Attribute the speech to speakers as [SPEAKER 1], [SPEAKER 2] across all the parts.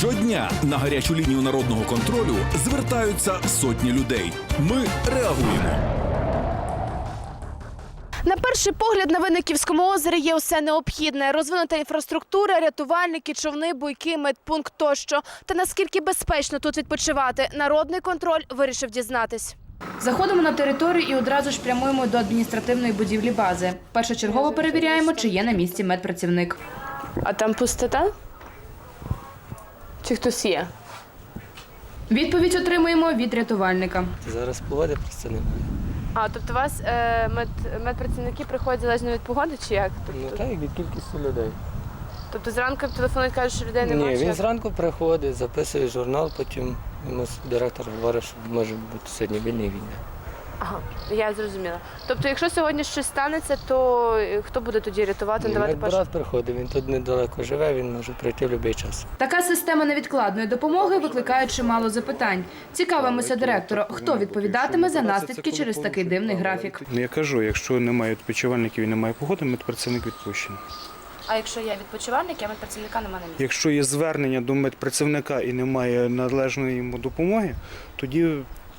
[SPEAKER 1] Щодня на гарячу лінію народного контролю звертаються сотні людей. Ми реагуємо.
[SPEAKER 2] На перший погляд на Винниківському озері є усе необхідне. Розвинута інфраструктура, рятувальники, човни, буйки, медпункт тощо. Та наскільки безпечно тут відпочивати, народний контроль вирішив дізнатись. Заходимо на територію і одразу ж прямуємо до адміністративної будівлі бази. Першочергово перевіряємо, чи є на місці медпрацівник. А там пустота? Чи хтось є? Відповідь отримуємо від рятувальника.
[SPEAKER 3] Зараз погоди просто немає.
[SPEAKER 2] А, тобто у вас медпрацівники приходять залежно від погоди чи як?
[SPEAKER 3] Ну так, від кількості людей.
[SPEAKER 2] Тобто зранку телефонують, кажуть, що людей немає?
[SPEAKER 3] Ні, він зранку приходить, записує журнал, потім йому директор говорить, що може бути сьогодні вільний війна.
[SPEAKER 2] Ага, я зрозуміла. Тобто, якщо сьогодні щось станеться, то хто буде тоді рятувати, надавати першу?
[SPEAKER 3] Медбрат приходить, він тут недалеко живе, він може прийти в будь-який час.
[SPEAKER 2] Така система невідкладної допомоги викликає чимало запитань. Цікавимося директора, хто відповідатиме за наслідки через такий дивний графік.
[SPEAKER 4] Я кажу, якщо немає відпочивальників і немає погоди, медпрацівник відпущений.
[SPEAKER 2] А якщо є відпочивальник, а медпрацівника немає на місці?
[SPEAKER 4] Якщо є звернення до медпрацівника і немає належної йому допомоги, тоді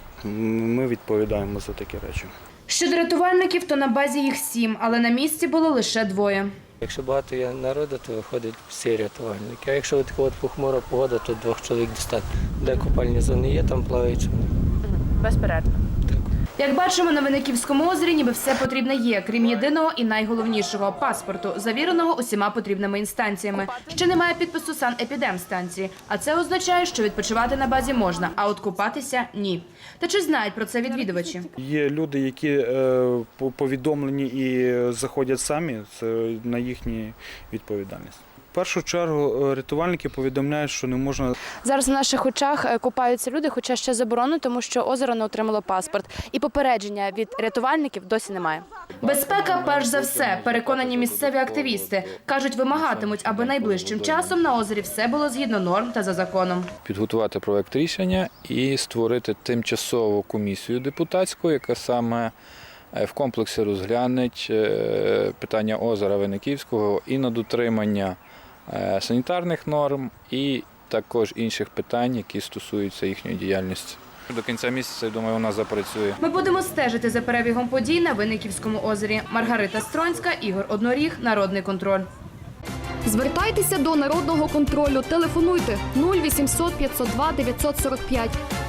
[SPEAKER 4] ми відповідаємо за такі речі.
[SPEAKER 2] Щодо рятувальників, то на базі їх 7, але на місці було лише 2.
[SPEAKER 3] Якщо багато є народу, то виходить всі рятувальники. А якщо така от похмура погода, то 2 чоловік достатньо. Де купальні зони є, там плавають.
[SPEAKER 2] Безперервно. Як бачимо, на Винниківському озері ніби все потрібне є, крім єдиного і найголовнішого – паспорту, завіреного усіма потрібними інстанціями. Ще немає підпису санепідемстанції, а це означає, що відпочивати на базі можна, а от купатися – ні. Та чи знають про це відвідувачі?
[SPEAKER 4] Є люди, які повідомлені і заходять самі, це на їхню відповідальність. В першу чергу рятувальники повідомляють, що не можна.
[SPEAKER 2] Зараз на наших очах купаються люди, хоча ще заборонено, тому що озеро не отримало паспорт. І попередження від рятувальників досі немає. Безпека перш за все, переконані місцеві активісти. Кажуть, вимагатимуть, аби найближчим часом на озері все було згідно норм та за законом.
[SPEAKER 5] Підготувати проект рішення і створити тимчасову комісію депутатську, яка саме в комплексі розгляне питання озера Винниківського і на дотримання санітарних норм і також інших питань, які стосуються їхньої діяльності. До кінця місяця, я думаю, вона запрацює.
[SPEAKER 2] Ми будемо стежити за перебігом подій на Винниківському озері. Маргарита Стронська, Ігор Одноріг, Народний контроль.
[SPEAKER 6] Звертайтеся до Народного контролю. Телефонуйте 0800 502 945.